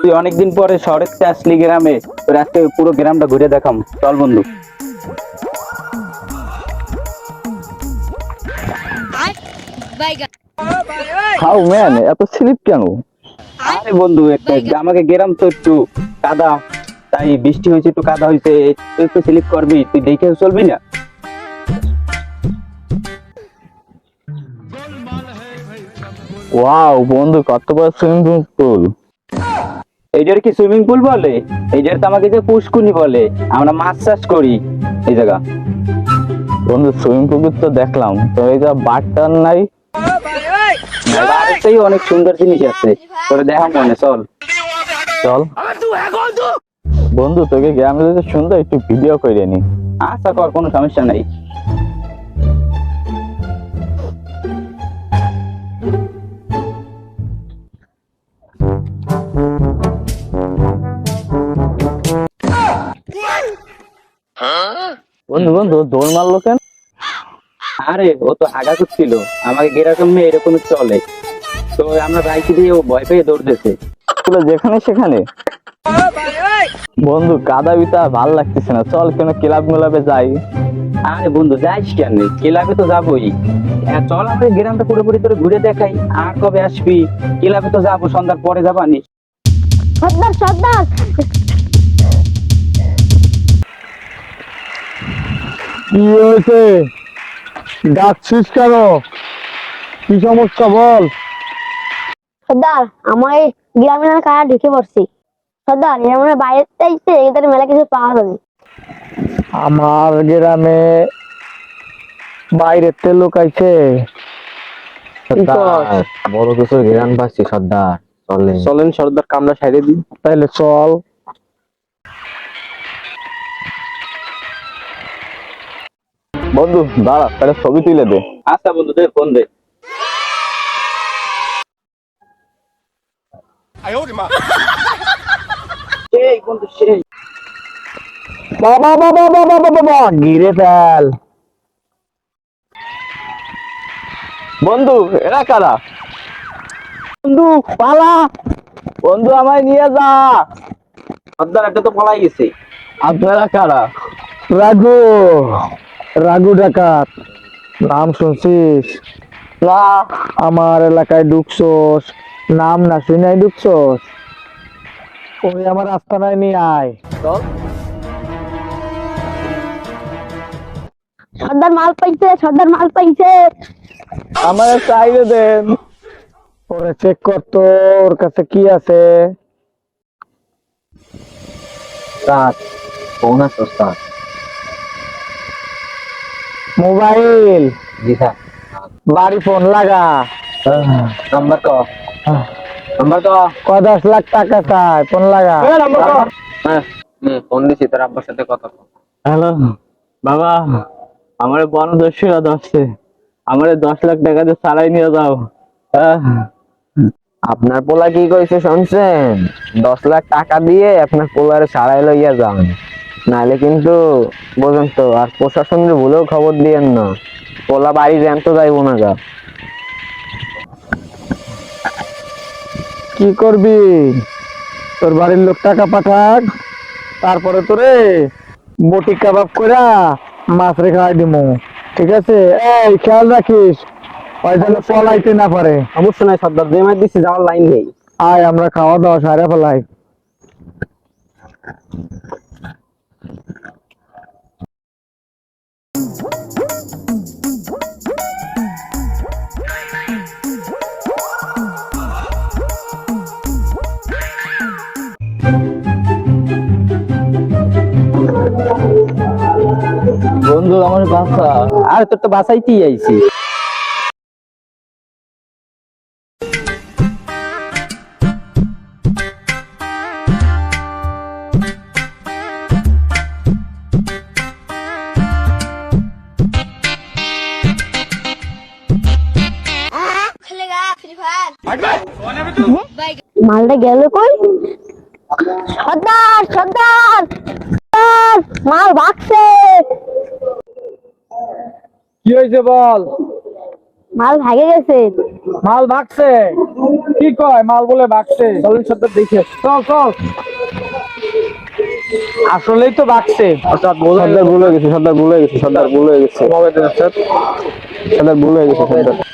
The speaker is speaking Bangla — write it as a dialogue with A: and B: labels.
A: তুই অনেকদিন পরে শহরে আসলি গ্রামে, তোর আজকে পুরো গ্রামটা ঘুরে দেখাম, চল বন্ধু।
B: হাউ ম্যান, এত স্লিপ কেন?
A: আরে বন্ধু, আমাকে গ্রাম তো একটু কাদা, তাই বৃষ্টি হয়েছে, একটু কাদা হয়েছে, তুই একটু স্লিপ করবি, তুই দেখে চলবি না?
B: ওয়াও বন্ধু, কত বড় সুইমিং পুল!
A: এইটার কি সুইমিং পুল বলে? এইটার তো আমাকে যে পুষ্কুনি বলে, আমরা মাছ চাষ করি এই জায়গা।
B: বন্ধু সুইমিং পুল তো দেখলাম, তো এই যে বাটটার নাই?
A: বাড়িতেই অনেক সুন্দর জিনিস আছে, তোরে দেখা মনে, চল।
B: চল বন্ধু, তোকে গ্রামে যেতে সুন্দর একটু ভিডিও করে নি।
A: আশা কর, কোনো সমস্যা নাই।
B: বন্ধু বন্ধু দৌড় মারলো কেন?
A: আরে ও তো হাগা করছিল, আমাকে গেরকম মেয়ে এরকম চলে, তো আমরা বাইকে দিয়ে ও ভয় পেয়ে দৌড়তেছে।
B: পুরো যেখানে সেখানে। বন্ধু কাদা বিতা ভাল লাগতেছে না, চল কেন ক্লাব মেলাবে যাই।
A: আরে বন্ধু, যাইস কেন? ক্লাবে তো যাবোই। চল আমরা গ্রামটা পুরোপুরি তোরে ঘুরে দেখাই। আর কবে আসবি? ক্লাবে তো যাবো, সন্ধ্যার পরে যাবানি।
C: সর্দার সর্দার,
B: কি হয়েছে? ডাকছিস কেন? কি সমস্যা বল?
C: সর্দার আমার এই গ্রামে না কারা ঢুকে পড়ছি। সর্দার এর মানে বাইরে চাইছে, এদের মেলা কিছু পাওয়া যাবে।
B: আমার গ্রামে বাইরের তে লোক আইছে।
D: বড় কিছু ঘেরান পাচ্ছি সর্দার, চলেন
B: চলেন সর্দার, কামরা সাইডে দিই, তাইলে চল। বন্ধু দাঁড়া, তাহলে ছবি তুলে দে।
A: আচ্ছা বন্ধু, দে ফোন দে। সেই বন্ধু সেই।
B: বাবা বাবা বাবা বাবা, ঘিরে ফেল। বন্ধু এরা কারা? বন্ধু পালা, বন্ধু আমায় নিয়ে যা।
A: সর্দার একটা তো পলাই গেছে।
B: আপনারা কারা? রাঘু, রাঘু ডাকাত, নাম শুনছিস? না, আমার এলাকায় ঢুকছোস, নাম না শুনাই ঢুকছোস? ওই আমার আস্তানায় নিয়ে আয়, চল।
C: সর্দার মাল পাইছে, সর্দার মাল পাইছে।
B: আমার চাইলে দেন, ওরে চেক করতো ওর কাছে কি আছে।
D: স্যার ফোন আছে স্যার।
B: মোবাইল,
D: জি স্যার।
B: বাড়ি ফোন লাগা।
D: নাম্বার ক, নাম্বার ক।
B: 10 লাখ টাকা চাই, ফোন লাগা।
D: হ্যাঁ ফোন দিছি, তোর আব্বার সাথে কথা কর।
B: হ্যালো বাবা, আমার বনদস্যুরা ধরছে, আমার 10 লাখ টাকা দিয়ে সারাই নিয়ে যাও।
D: আপনার পোলা কি কইছে শুনছেন? 10 লাখ টাকা দিয়ে আপনার পোলারে সারাই লইয়া যান, নাহলে কিন্তু বোঝেন তো। আর প্রশাসনের ভুলেও খবর দিয়েন না, পোলা বাড়ি জ্যান্ত যাইবো না গা।
B: কি করবি? তোর বাড়ির লোক টাকা পাঠাক, তারপরে তোরে বটি কাবাব কইরা মাছ রে খাওয়াই দিমু, ঠিক আছে? এই খেয়াল রাখিস, ওই যেন পলাইতে না পারে।
A: অবশ্যই নাই সর্দার, যে মার দিচ্ছি যাওয়ার লাইন নেই।
B: আয় আমরা খাওয়া দাওয়া সারা ফেলাই। বন্ধু আমার বাসা।
A: আর তোর তো বাসাইতেই আইছি।
C: মালটা গেল কই? সর্দার সর্দার, সর্দার, মাল ভাগছে।
B: কি হয়েছে বল?
C: মাল ভাগে গেছে।
B: মাল ভাগছে? কি কয় মাল বলে বাকছে চলেন সর্দার দেখে চল চল আসলেই তো বাকছে
D: সর্দার ভুল হয়ে গেছে সর্দার ভুল হয়ে গেছে সর্দার ভুল হয়ে গেছে সর্দার ভুল হয়ে গেছে সর্দার